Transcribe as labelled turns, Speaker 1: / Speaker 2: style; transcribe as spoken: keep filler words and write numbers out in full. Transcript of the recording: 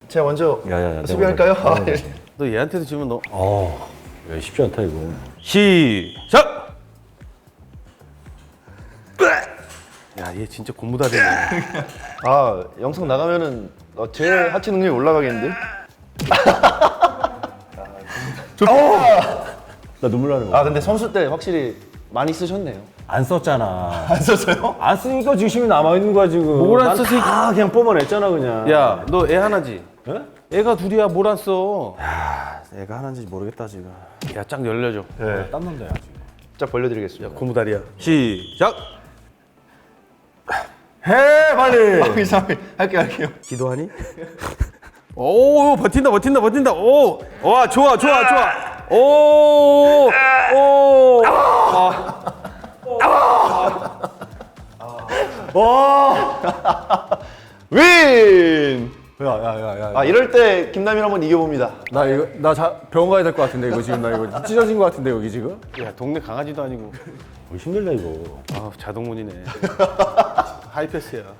Speaker 1: 제가 먼저
Speaker 2: 야야야.
Speaker 1: 수비할까요? 아, 예.
Speaker 3: 너 얘한테도 지면 너
Speaker 2: 어. 야, 쉽지 않다 이거.
Speaker 3: 시작! 야, 얘 진짜 고무다리네.
Speaker 1: 아 영상 나가면은 어, 제 하체 능력이 올라가겠는데?
Speaker 2: 나 눈물 나는 거.
Speaker 1: 아 근데 선수 때 확실히 많이 쓰셨네요.
Speaker 2: 안 썼잖아.
Speaker 1: 안 썼어요?
Speaker 2: 안 쓰니까 지심이 남아 있는 거야 지금.
Speaker 3: 뭘 안
Speaker 2: 난
Speaker 3: 썼으니까.
Speaker 2: 다 그냥 뽑아냈잖아 그냥.
Speaker 3: 야, 너 애 하나지?
Speaker 2: 어?
Speaker 3: 애가 둘이야, 뭘 안 써?
Speaker 2: 애가 하나인지 모르겠다 지금.
Speaker 3: 야, 쫙 열려줘.
Speaker 1: 네.
Speaker 2: 땀난다 야 지금.
Speaker 1: 짝 벌려드리겠습니다.
Speaker 3: 고무다리야. 시작!
Speaker 2: 해 빨리.
Speaker 1: 아, 이상하게 할게요 할게요.
Speaker 3: 기도하니? 오, 버틴다, 버틴다, 버틴다. 오, 와, 좋아, 좋아, 좋아. 오, 오.
Speaker 1: 윈!
Speaker 2: 야야야야.
Speaker 1: 아 이럴 때 김남일 한번 이겨봅니다.
Speaker 2: 나 이거 나 자, 병원 가야 될 것 같은데 이거 지금 나 이거 찢어진 것 같은데 여기 지금.
Speaker 3: 야, 동네 강아지도 아니고.
Speaker 2: 어, 힘들다 이거.
Speaker 3: 아, 자동문이네. 하이패스야.